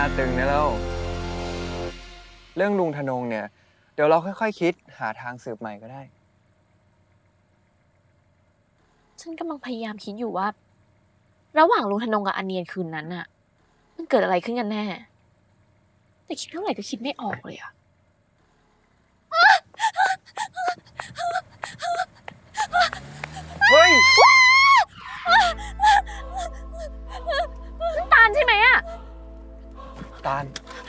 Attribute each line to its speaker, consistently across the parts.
Speaker 1: ตึงนะแล้วเรื่องลุงธนงเนี่ยเดี๋ยวเราค่อยๆคิดหาทางสืบใหม่ก็ได้
Speaker 2: ฉันกำลังพยายามคิดอยู่ว่าระหว่างลุงธนงกับอันเนียนคืนนั้นน่ะมันเกิดอะไรขึ้นกันแน่แต่คิดเท่าไหร่ก็คิดไม่ออกเลยอะ
Speaker 1: เฮ้ย
Speaker 2: นั่นตาลใช่ไหมอะ
Speaker 1: ตาล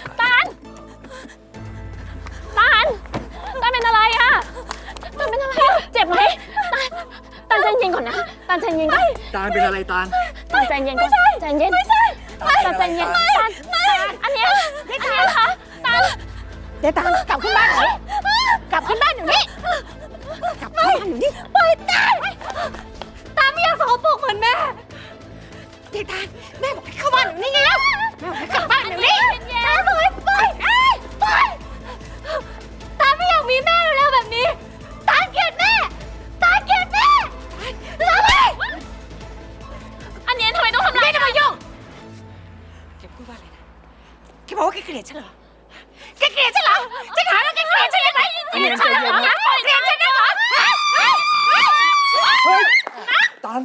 Speaker 2: เป็นอะไรอะตาลเป็นอะไรอะเจ็บไหมตาลใจเย็นก่อนนะตาลใจเย็นก่อน
Speaker 1: ตาลเป็นอะไรตาล
Speaker 2: ใจเย็นก่อนใจเย็นตาลใจเย็นตาลอันเนี้ยคะตาลเดี๋ยวตาลกลับขึ้นบ้านหน่อยกลับขึ้นบ้านอยู่นี่กลับขึ้นบ้านอยู่นี่ปล่อยตาลไม่อยากสกปรกเหมือนแม่เดี๋ยวตาลแม่บอกให้เข้าบ้านอยู่นี่ไงแล้วแม่บอกให้กลับบ้านอยู่นี่ตาลบอกให้ปล่อยตาลไม่อยากมีแม่แล้วแบบนี้ตาลเกลียดแม่ตาลเกลียดแม่อันนี้ทำไมต้องทำร้ายกันมายุ่งแกพูดว่าอะไรนะแกบอกว่าแกเกลียดฉันเหรอแกเกลียดฉันเหรอฉันถามว่าแกเกลียดฉันยังไงเกลียดฉันเหรอเกลียดฉันเหรอ
Speaker 1: เฮ้ยตาล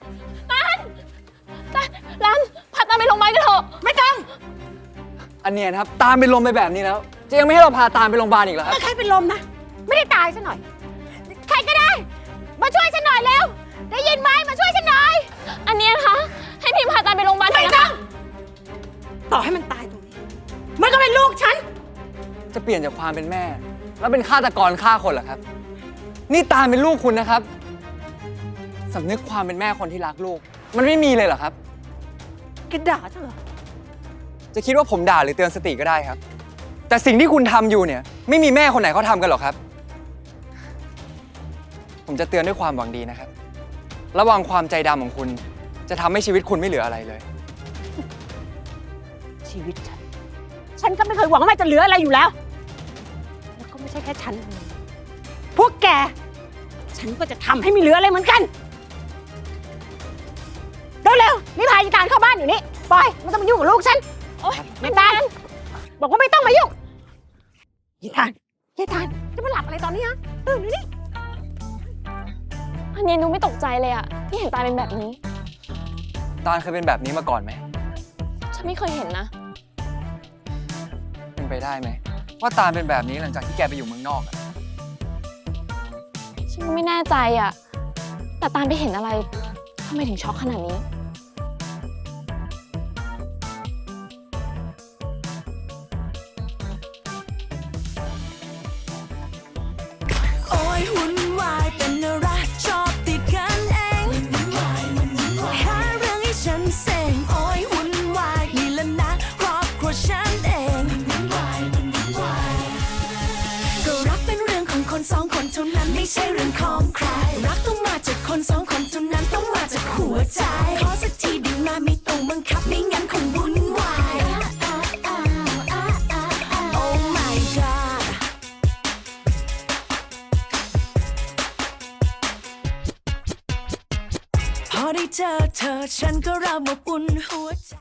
Speaker 2: รันพาตาไปโรงพยาบาลกันเถอะไม่ต้อง
Speaker 1: อันเนี้ยครับตาลเป็นลมไปแบบนี้แล้วจะยังไม่ให้เราพาตาลไปโรงพยาบาลอีกเหรอครับ
Speaker 3: ใครเป็นลมนะไม่ได้ตายซะหน่อยใครก็ได้มาช่วยฉันหน่อยเร็วได้ยินไหมมาช่วยฉันหน่อย
Speaker 2: อันนี้นะคะให้พิมพาตาไปโรงพยาบาลหน่อยนะคะ
Speaker 3: ต่อให้มันตายตรงนี้มันก็เป็นลูกฉัน
Speaker 1: จะเปลี่ยนจากความเป็นแม่แล้วเป็นฆาตกรฆ่าคนเหรอครับนี่ตาลเป็นลูกคุณนะครับสำนึกความเป็นแม่คนที่รักลูกมันไม่มีเลยเหรอครับ
Speaker 3: แกด่าฉันเหรอ
Speaker 1: จะคิดว่าผมด่าหรือเตือนสติก็ได้ครับแต่สิ่งที่คุณทำอยู่เนี่ยไม่มีแม่คนไหนเขาทำกันหรอกครับผมจะเตือนด้วยความหวังดีนะครับระวังความใจดำของคุณจะทำให้ชีวิตคุณไม่เหลืออะไรเลย
Speaker 3: ชีวิตฉันก็ไม่เคยหวังว่ามันจะเหลืออะไรอยู่แล้วแล้วก็ไม่ใช่แค่ฉันพวกแกฉันก็จะทำให้ไม่เหลืออะไรเหมือนกันเร็วๆนี่พายีตาลเข้าบ้านอยู่นี่ปล่อยไม่ต้องมายุ่งกับลูกฉันไม่ตาลบอกว่าไม่ต้องมายุ่งยีตาลจะมาหลับอะไรตอนนี้ฮะตื่นอยู่นี่
Speaker 2: อันนี้หนูไม่ตกใจเลยอะที่เห็นตาเป็นแบบนี้
Speaker 1: ตาลเคยเป็นแบบนี้มาก่อนไหม
Speaker 2: ฉันไม่เคยเห็นนะ
Speaker 1: เป็นไปได้ไหมว่าตาลเป็นแบบนี้หลังจากที่แกไปอยู่เมืองนอกอะ
Speaker 2: ฉันก็ไม่แน่ใจอะแต่ตาลไปเห็นอะไรทำไมถึงช็อกขนาดนี้
Speaker 4: สองคนเท่านั้นไม่ใช่เรื่องของใครรักต้องมาจากคนสองคนเท่านั้นต้องมาจากหัวใจขอสักทีดีมาไม่ต้องบังคับไม่งั้นคงวุ่นวาย Oh my god พอได้เจอเธอฉันก็เริ่มอบอุ่นหัวใจ